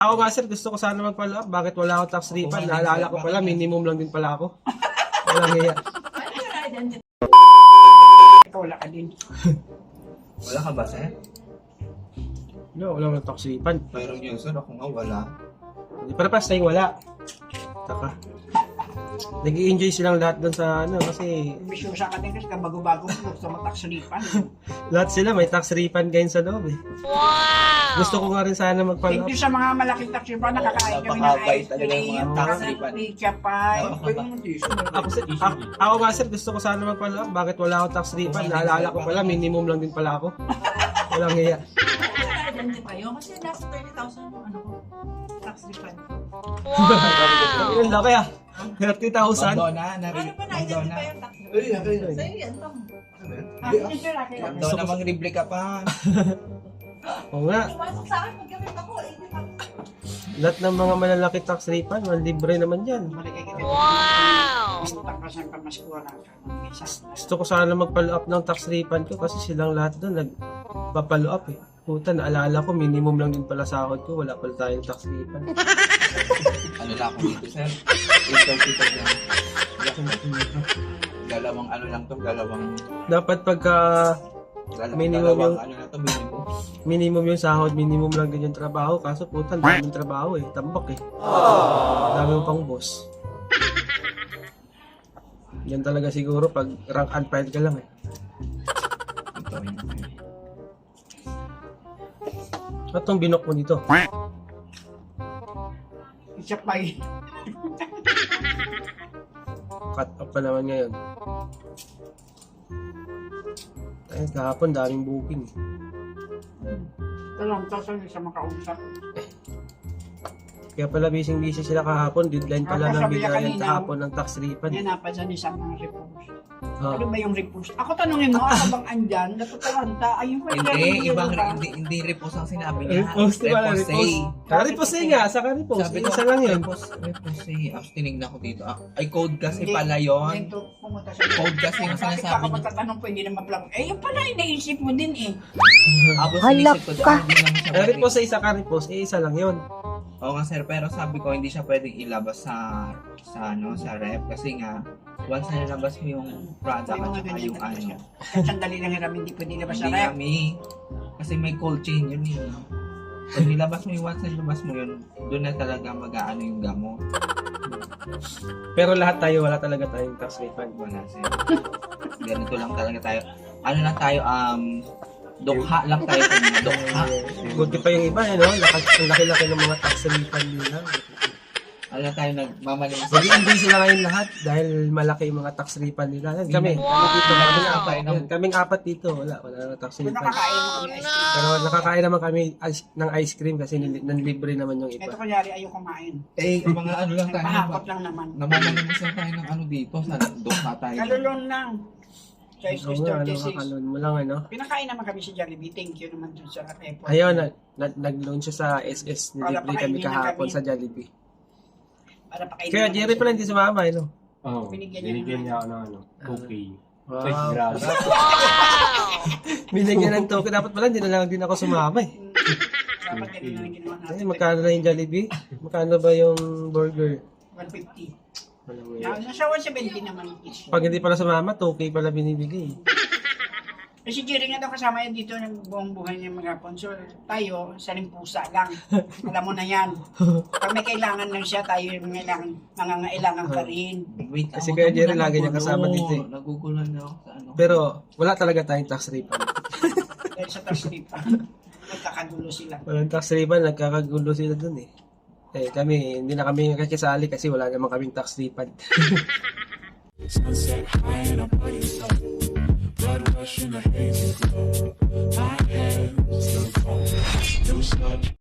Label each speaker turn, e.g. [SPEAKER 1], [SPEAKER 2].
[SPEAKER 1] Ako nga sir, gusto ko sana mag-follow up. Bakit wala akong tax refund? Naalala ko pala, minimum lang din pala ako. Walang hiya.
[SPEAKER 2] Wala ka din.
[SPEAKER 3] Wala ka ba, sir?
[SPEAKER 1] No, wala akong tax refund.
[SPEAKER 3] Meron yun, sir. Ako nga wala.
[SPEAKER 1] Hindi para pas tayong wala. Taka. Nag-i-enjoy silang lahat doon sa ano kasi
[SPEAKER 2] Bisyosa ka din kasi bago-bago gusto mo taksalipan.
[SPEAKER 1] lahat sila may tax refund ngayon sa loob eh. Wow! Gusto ko nga rin sana mag-follow
[SPEAKER 2] Thank
[SPEAKER 1] up.
[SPEAKER 2] you sa mga malaking taksalipan. Nakakain kami ng
[SPEAKER 3] Napakabait
[SPEAKER 2] ice
[SPEAKER 3] talaga yung mga
[SPEAKER 2] cream.
[SPEAKER 3] taksalipan.
[SPEAKER 2] Pizza pie.
[SPEAKER 1] Ako nga sir, gusto ko sana mag-follow up. Bakit wala akong tax refund? Naalala ko pala, minimum lang din pala ako. Walang hiya.
[SPEAKER 4] Ganyan din kayo kasi nasa 30,000 yung ano ko, tax refund.
[SPEAKER 1] Ilan laki ah. 30,000.
[SPEAKER 3] Madonna,
[SPEAKER 4] Ano pa na-identify yung tax refund? Sa'yo yan lang.
[SPEAKER 3] Madonna, mang replika pa.
[SPEAKER 1] Oo nga.
[SPEAKER 4] Pumasok sa akin, magkamit ako, 80,000.
[SPEAKER 1] Lahat ng mga malalaki tax refund, libre naman yan.
[SPEAKER 2] Wow! Takasan pa mas kuha na.
[SPEAKER 1] Gusto ko sana mag-follow up ng tax refund ko kasi silang lahat doon nagpa-follow up eh. Puta, naalala ko, minimum lang din pala sahod ko. Wala pala tayong tax refund.
[SPEAKER 3] Ano na ako dito, sir? 8:30 lang. Dalawang ano lang to, dalawang
[SPEAKER 1] Dapat pagka minimum yung
[SPEAKER 3] ano na to, minimum.
[SPEAKER 1] minimum yung sahod, minimum lang din yung trabaho. Kaso puta, daming trabaho eh. Tambak eh. Dami mo pang boss. Yan talaga siguro pag rank and file ka lang eh.
[SPEAKER 3] Ito yun.
[SPEAKER 1] At itong binok mo dito.
[SPEAKER 2] Pizza pie.
[SPEAKER 1] Cut off pa naman ngayon. Eh, kahapon daming booking.
[SPEAKER 2] Ito lang, sa makausap.
[SPEAKER 1] Kaya pala busy sila kahapon. Deadline pala
[SPEAKER 2] Ako,
[SPEAKER 1] ng
[SPEAKER 2] sabi niya
[SPEAKER 1] bigyan
[SPEAKER 2] kanina,
[SPEAKER 1] kahapon ng tax refund.
[SPEAKER 2] Yan napansin ni sa mga repos.
[SPEAKER 1] Ah.
[SPEAKER 2] Ano ba yung repos? Ako tanungin mo, ako bang andyan? Natutalanta. Ayun pa
[SPEAKER 3] Hindi repos ang sinabi niya.
[SPEAKER 1] Repos, di ba? Repos nga, sa repos.
[SPEAKER 3] Sabi ko,
[SPEAKER 1] Isa lang yun.
[SPEAKER 3] repos tinignan ko dito. Ay, code kasi pala yun.
[SPEAKER 2] Pumunta sa
[SPEAKER 3] Code kasi yung
[SPEAKER 2] Bakit
[SPEAKER 3] sinasabi
[SPEAKER 2] ako
[SPEAKER 3] niya.
[SPEAKER 2] magtatanong po, hindi naman pala. Eh, yung pala, iniisip mo din eh.
[SPEAKER 3] Ako sinisip ko doon, hindi naman siya
[SPEAKER 1] Repos sa isa ka repos, isa lang yun.
[SPEAKER 3] Oo nga sir, pero sabi ko hindi siya pwedeng ilabas sa rep kasi nga once na nilabas mo yung product
[SPEAKER 2] May
[SPEAKER 3] at
[SPEAKER 2] mga
[SPEAKER 3] saka
[SPEAKER 2] ganyan
[SPEAKER 3] yung
[SPEAKER 2] talaga
[SPEAKER 3] ano,
[SPEAKER 2] siya. Kahit sandali lang hiram, hindi pwede labas sa
[SPEAKER 3] hindi
[SPEAKER 2] rep.
[SPEAKER 3] kami kasi may cold chain yun eh. Pag nilabas mo yung once na nilabas mo yun, doon na talaga mag-aano yung gamot.
[SPEAKER 1] Pero lahat tayo, wala talaga tayong tax refund.
[SPEAKER 3] Wala sir. Ganito lang talaga tayo. Ano lang tayo, dukha lang tayo sa mga dukha.
[SPEAKER 1] Buti pa yung iba, ano? Ang laki-laki ng mga tax refund nila.
[SPEAKER 3] Ano lang tayo nagmamalimos.
[SPEAKER 1] Nag-i-enjoy sila ngayon lahat dahil malaki yung mga tax refund nila. Yan, kami. Dito, kaming apat dito. Wala na tax
[SPEAKER 2] Kung
[SPEAKER 1] refund.
[SPEAKER 2] nakakain mo kami ice cream.
[SPEAKER 1] Pero nakakain naman kami ng ice cream kasi nanlibre naman yung
[SPEAKER 2] Ito
[SPEAKER 1] iba.
[SPEAKER 2] kunyari, ayaw kumain.
[SPEAKER 3] Eh, mga ano lang tayo.
[SPEAKER 2] Pahakot lang naman.
[SPEAKER 3] Namamalimos lang tayo ng ano dito sa dukha tayo.
[SPEAKER 2] Kalulong lang. Sa
[SPEAKER 1] Oo nga, ano,
[SPEAKER 2] 36.
[SPEAKER 1] kakalon mo lang, ano?
[SPEAKER 2] Pinakain naman kami si Jollibee. Thank you naman dun sa effort.
[SPEAKER 1] Ayun, nag-launch siya sa SS. Nilibre kami
[SPEAKER 2] pakainin na
[SPEAKER 1] kahapon
[SPEAKER 2] kami.
[SPEAKER 1] sa Jollibee.
[SPEAKER 2] Para pakainin
[SPEAKER 1] Kaya
[SPEAKER 2] naman
[SPEAKER 1] Jerry
[SPEAKER 2] siya.
[SPEAKER 1] pala hindi sumama, no?
[SPEAKER 5] Oo,
[SPEAKER 2] Binigyan
[SPEAKER 5] binigyan
[SPEAKER 2] niya
[SPEAKER 5] niya ako ng ano, cookie.
[SPEAKER 1] Wow.
[SPEAKER 5] Ay, grabe.
[SPEAKER 1] Binigyan ng token. Dapat pala, hindi na lang din ako sumama eh.
[SPEAKER 2] Dapat ganun na lang ginawa
[SPEAKER 1] Ay,
[SPEAKER 2] natin.
[SPEAKER 1] magkano na yung Jollibee? Magkano ba yung burger?
[SPEAKER 2] 150.
[SPEAKER 1] Alam mo yun.
[SPEAKER 2] Nasa 170 naman each.
[SPEAKER 1] Pag hindi pala sumama, 2K pala binibigay.
[SPEAKER 2] Eh si Jerry nga daw kasama yan dito ng buong buhay niya mga So tayo, salimpusa lang. Alam mo na yan. Pag may kailangan lang siya, tayo yung nangangailangan pa rin.
[SPEAKER 3] Wait,
[SPEAKER 1] Kasi
[SPEAKER 3] ako
[SPEAKER 1] kaya
[SPEAKER 3] to,
[SPEAKER 1] Jerry lagi niya
[SPEAKER 3] nagugulo.
[SPEAKER 1] kasama dito eh.
[SPEAKER 3] Nagugulan na ako sa ano.
[SPEAKER 1] Pero wala talaga tayong tax refund.
[SPEAKER 2] Dahil sa tax refund, nagkakagulo sila.
[SPEAKER 1] Walang tax refund, nagkakagulo sila dun eh. Eh kami, hindi na kami kakisali kasi wala naman kaming tax refund.
[SPEAKER 6] Sunset high and I'm by yourself. Blood rush in a hazy glow. My hands still cold. New sun.